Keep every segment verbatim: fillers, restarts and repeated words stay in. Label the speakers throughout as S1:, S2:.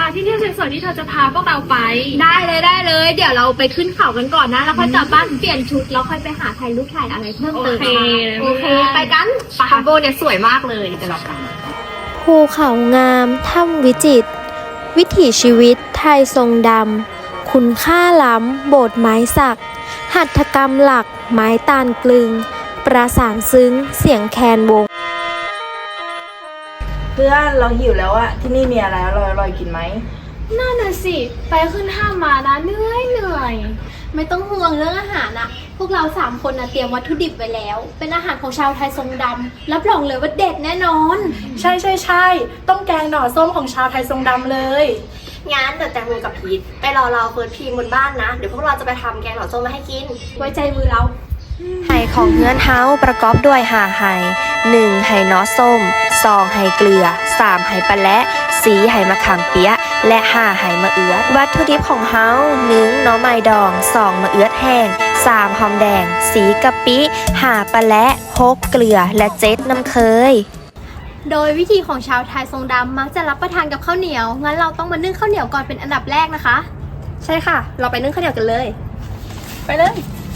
S1: ที่เที่ยวสวยๆที่เธอจะพาพวกเราไป
S2: ได้เลยได้เลยเดี๋ยวเราไปขึ้นเขากันก่อนนะแล้วค่อยกลับบ้านเปลี่ยนชุดแล้วค่อยไปหาถ่ายรูปถ่ายอะไรเพิ่มเติมโอเคไปกันคาโบเนี่ยสวยมากเลยเดี๋ยวเราไป
S3: ภูเขางามถ้ำวิจิตรวิถีชีวิตไทยทรงดำคุณค่าล้ำโบสถ์ไม้สักหัตถกรรมหลักไม้ตาลกลึงประสานซึ้งเสียงแคนวง
S4: เพื่อนเราหิวแล้วอะที่นี่มีอะไรอร่อยอร่อยกินไหม
S1: น่าน่ะสิไปขึ้นห้างมานะเหนื่อยเหนื่อย
S2: ไม่ต้องห่วงเรื่องอาหารนะพวกเราสามคนนะเตรียมวัตถุดิบไว้แล้วเป็นอาหารของชาวไทยทรงดำรับรองเลยว่าเด็ดแน่นอน
S4: ใช่ใช่ใช่ต้องแกงหน่อส้มของชาวไทยทรงดำเลย
S2: งั้นเดี๋ยวแตงโมกับพีทไปรอเราเฟิร์สพีมบนบ้านนะเดี๋ยวพวกเราจะไปทำแกงหน่อส้มมาให้กินไว้ใจมือเรา
S3: ไห่ของเฮือนเฮาประกอบด้วยห่าไห่หนึ่งไห่น้อส้มสองไห่เกลือสามไห่ปลาและสี่ไห่มะขามเปี๊ยะและห้าไห่มะเอือดวัตถุดิบของเฮาหนึ่งหน่อไม้ดองสองมะเอือดแห้งสามหอมแดงสี่กะปิห้าปลาและหกเกลือและเจ็ดน้ำเคยโดยวิธีของชาวไทยทรงดำมักจะรับประทานกับข้าวเหนียวงั้นเราต้องมานึ่งข้าวเหนียวก่อนเป็นอันดับแรกนะคะใช่ค่ะเราไปนึ่งข้าวเหนียวกันเลย
S4: ไปเลย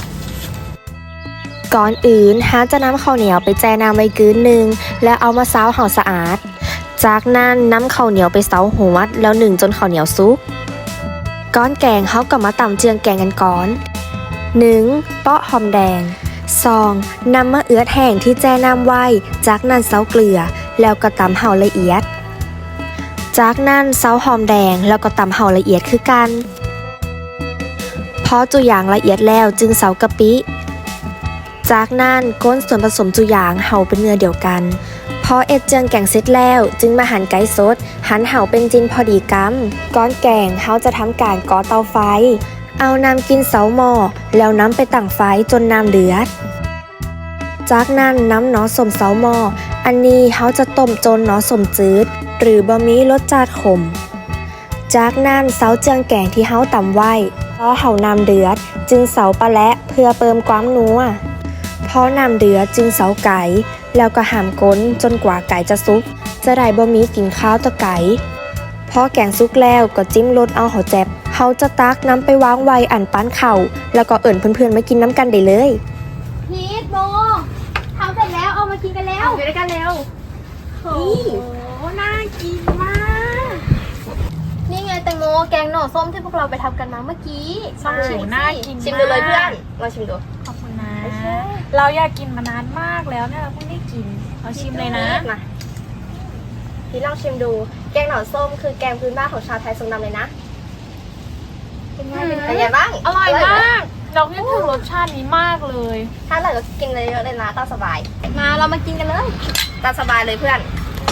S3: ก่อนอื่นฮาจะนำข้าวเหนียวไปแช่น้ำไว้กืนหนึ่งแล้วเอามาซาวให้สะอาดจากนั้นนำข้าวเหนียวไปเซาหัวแล้วหนึ่งจนข้าวเหนียวสุกก้อนแกงเขาก็มาตำเจืองแกงกันก่อนหนึ่งเปาะหอมแดงสองนำมะเอือดแห้งที่แช่น้ำไว้จากนั้นเซาเกลือแล้วก็ตำเห่าละเอียดจากนั้นเซาหอมแดงแล้วก็ตำเห่าละเอียดคือกันพอจุอย่างละเอียดแล้วจึงเซากะปิจากนั้นก้นส่วนผสมจุอย่างเห่าเป็นเนื้อเดียวกันพอเอ็ดเจืองแกงเสร็จแล้วจึงมาหั่นไก่สดหั่นเห่าเป็นจิ้นพอดีกำก้อนแกงเฮาจะทำการก่อเตาไฟเอาน้ำกินเสาหม้อแล้วน้ำไปตั้งไฟจนน้ำเดือดจากนั้นน้ำหนอสมเสาหม้ออันนี้เฮาจะต้มจนหนอสมจืดหรือบะหมี่รสจัดขมจากนั้นเสาเจืองแกงที่เฮาตำไว้พอเห่าน้ำเดือดจึงเสาปลาและเพื่อเพิ่มความนัวพอน้ำเดือดจึงเสาไก่แล้วก็หามก้นจนกว่าไก่จะสุกจะได้บะหมี่กินข้าวตะไก่พอแกงสุกแล้วก็จิ้มรสเอาหอแจ็บเฮาจะตักน้ำไปวางไว้อันปั้นเข่าแล้วก็เอิ่นเพื่อนๆมากินน้ำกันได้เลย
S2: พีทโมทำเสร็จแล้วเอามากินกันแล้ว
S1: อยู่ด้วยกันเร็วโอ้โหน่ากินมาก
S2: นี่ไงแตงโมแกงหน่อส้มที่พวกเราไปทำกันมาเมื่อกี้
S1: ลองชิมน่ากิน
S2: ชิมดูเลยเพื่อนลองชิมดู
S1: ขอบคุณนะเราอยากกินมานานมากแล้วเนี่ยเราเพิ่งได้กินเราชิมเลยนะ
S2: มาพี่ลองชิมดูแกงหน่อส้มคือแกงพื้นบ้านของชาวไทยทรงดำเลยนะเป็นไงเป็นไงบ้าง
S1: อร่อยมากเราคิดถึงรสชาตินี้มากเลย
S2: ถ้าอร่อยก็กินเลยเยอะเลยนะตามสบายมาเรามากินกันเลยตามสบายเลยเพื่อน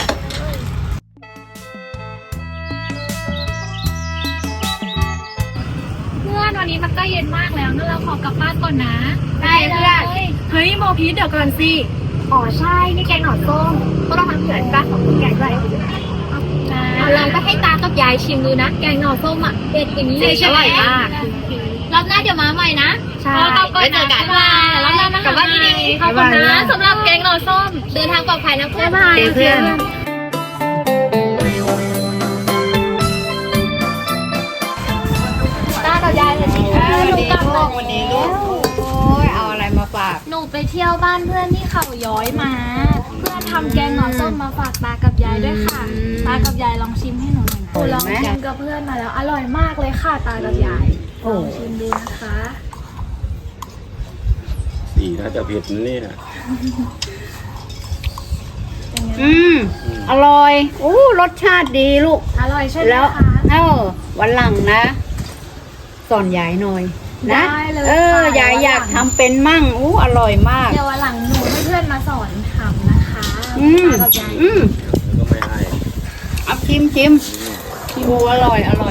S1: เพื่อนวันนี้มันก็เย็นมากแล้วงั้นเราขอกลับบ้านก่อนนะ
S2: ได้เพื่อน
S1: เฮ้ยโมพีทเดี๋ยวก่อนสิ
S2: อ๋อใช่นี่แกงหน่อส้มพวกเราทำเผื่อที่บ้านของคุณยายด้วยเอาลองไปให้ตากับยายชิมดูนะแกงหน่อส้มอ่ะเด็ดอย่างนี้เลยใช่ไหมรอบหน้าเดี๋ยวมาใหม่นะ
S1: ใช่
S2: ไปเจอกันว่าแล้วเรากลับบ้านดีๆขอบคุณนะสำหรับแกงหน่อส้มเดินทางปลอดภัยนะเพื่อน
S1: เพื่อน
S2: ตากับยายเลยสิ
S4: หนูกลับมาวันนี้ลูกโอ้ยเอาอะไรมาฝาก
S1: หนูไปเที่ยวบ้านเพื่อนที่เขาย้อยมาเพื่อนทำแกงหน่อส้มมาฝากตากับยายด้วยค่ะตากับยายลองชิมให้หนูหน่อยหนูลองชิมกับเพื่อนมาแล้วอร่อยมากเลยค่ะตากับยายลองชิมดูนะคะ
S5: สีน่าจะเผ็ดนะเนี่ย
S4: อืมอร่อยอู้รสชาติดีลูก
S1: อร่อยใช่ไหม
S4: แล้ว
S1: คะ
S4: เออวันหลังนะสอนยายหน่อยนะเออยายอยากทำเป็นมั่งอู้อร่อยมาก
S1: เดี๋ยววันหลังหนูให้เพื่อนมาสอนทำนะคะ
S4: อืมอืม
S5: ก็ไม่ให้
S4: เอาชิมชิมดูอร่อยอร่อย